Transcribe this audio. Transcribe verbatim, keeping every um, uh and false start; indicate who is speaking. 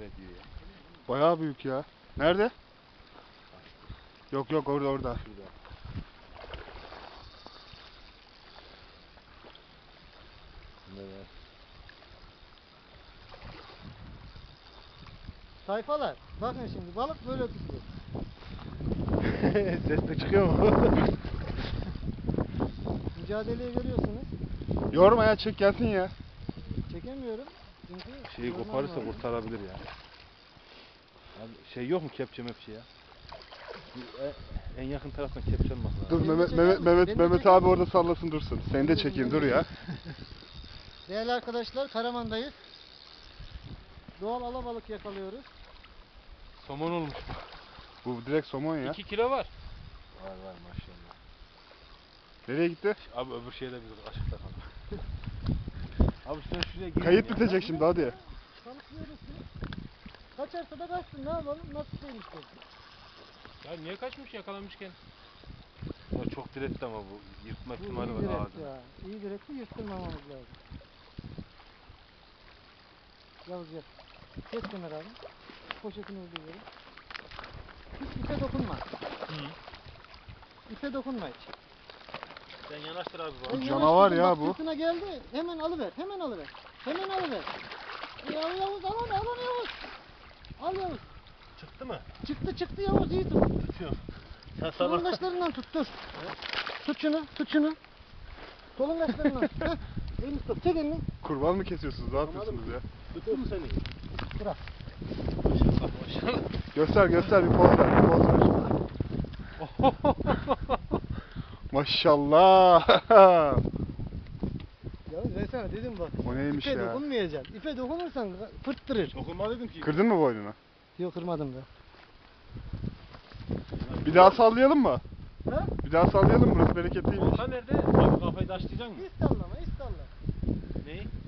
Speaker 1: diyor ya.
Speaker 2: Bayağı büyük ya. Nerede? Yok yok orada orada.
Speaker 1: Şurada. Evet.
Speaker 3: Tayfalar, bakın şimdi balık böyle tutulur.
Speaker 1: Ses de çıkıyor mu?
Speaker 3: Mücadeleyi görüyorsunuz.
Speaker 2: Yorma ya, çek gelsin ya.
Speaker 3: Çekemiyorum. Çünkü
Speaker 1: Şeyi
Speaker 3: yormam
Speaker 1: koparırsa
Speaker 3: lazım.
Speaker 1: kurtarabilir ya. Abi şey yok mu kepçe mepçe ya? Bu En, en yakın taraftan kepçe almak lazım.
Speaker 2: Dur
Speaker 3: Beni de
Speaker 2: Mehmet
Speaker 3: çeker
Speaker 2: Mehmet
Speaker 3: misin?
Speaker 2: Mehmet,
Speaker 3: Beni de
Speaker 2: Mehmet
Speaker 3: çeker
Speaker 2: abi
Speaker 3: misin?
Speaker 2: orada sallasın dursun. Seni de çekeyim dur ya.
Speaker 3: Değerli arkadaşlar, Karaman'dayız. Doğal alabalık yakalıyoruz.
Speaker 1: Somon olmuş.
Speaker 2: Bu direkt somon ya.
Speaker 1: iki kilo var. Var var maşallah.
Speaker 2: Nereye gitti?
Speaker 1: Abi öbür şeyde biz aşıkta kaldık. Abi sen şuraya gir.
Speaker 2: Kayıt bitecek şimdi hadi.
Speaker 3: Balıklıyoruz. Kaçarsa da kaçsın, ne yapalım? Nasıl değil işte.
Speaker 1: Ya niye kaçmış yakalanmışken? Ya çok diretti ama bu yırtma
Speaker 3: Bu
Speaker 1: ihtimali
Speaker 3: iyi
Speaker 1: var
Speaker 3: direkt
Speaker 1: ağzına.
Speaker 3: ya. İyi direkti, yırtılmamamız lazım. Yavuz gel. Geç Kemal abi. Poşetini öldürüyorum. Hiç ipe dokunma.
Speaker 1: Hı.
Speaker 3: İpe dokunma hiç.
Speaker 1: Sen yanaştır abi
Speaker 3: Ben
Speaker 2: Bu canavar
Speaker 3: yanaştırdım,
Speaker 2: ya
Speaker 3: bak
Speaker 2: bu.
Speaker 3: sırtına geldi. Hemen alıver, hemen alıver. Hemen alıver. Ya Yavuz al onu, al onu Yavuz. Al Yavuz.
Speaker 1: Çıktı mı?
Speaker 3: Çıktı çıktı Yavuz, iyi tut.
Speaker 1: Tutuyorum. Sen sabah...
Speaker 3: Solungaçlarından tut, dur. Tut şunu, tut şunu. Solungaçlarından. Heh. Elini tut, çek elini.
Speaker 2: Kurban mı kesiyorsunuz? Ne yapıyorsunuz ya?
Speaker 1: Tuttu mu seni?
Speaker 3: Bırak.
Speaker 1: Maşallah maşallah.
Speaker 2: Göster göster, bir poz ver, bir poz ver. Maşallah.
Speaker 3: Yavuz ben sana dedim bak.
Speaker 2: O neymiş
Speaker 3: İpe
Speaker 2: ya?
Speaker 3: dokunmayacaksın. İpe dokunursan fırttırır.
Speaker 1: Dokunma dedim ki.
Speaker 2: Kırdın mı boynunu?
Speaker 3: Yok kırmadım da.
Speaker 2: Bir daha sallayalım mı?
Speaker 3: Ha?
Speaker 2: Bir daha sallayalım mı? Burası bereketliymiş.
Speaker 1: Volkan nerede? Abi kafayı taşlayacaksın mı?
Speaker 3: Hiç sallama, hiç salla.
Speaker 1: Neyi?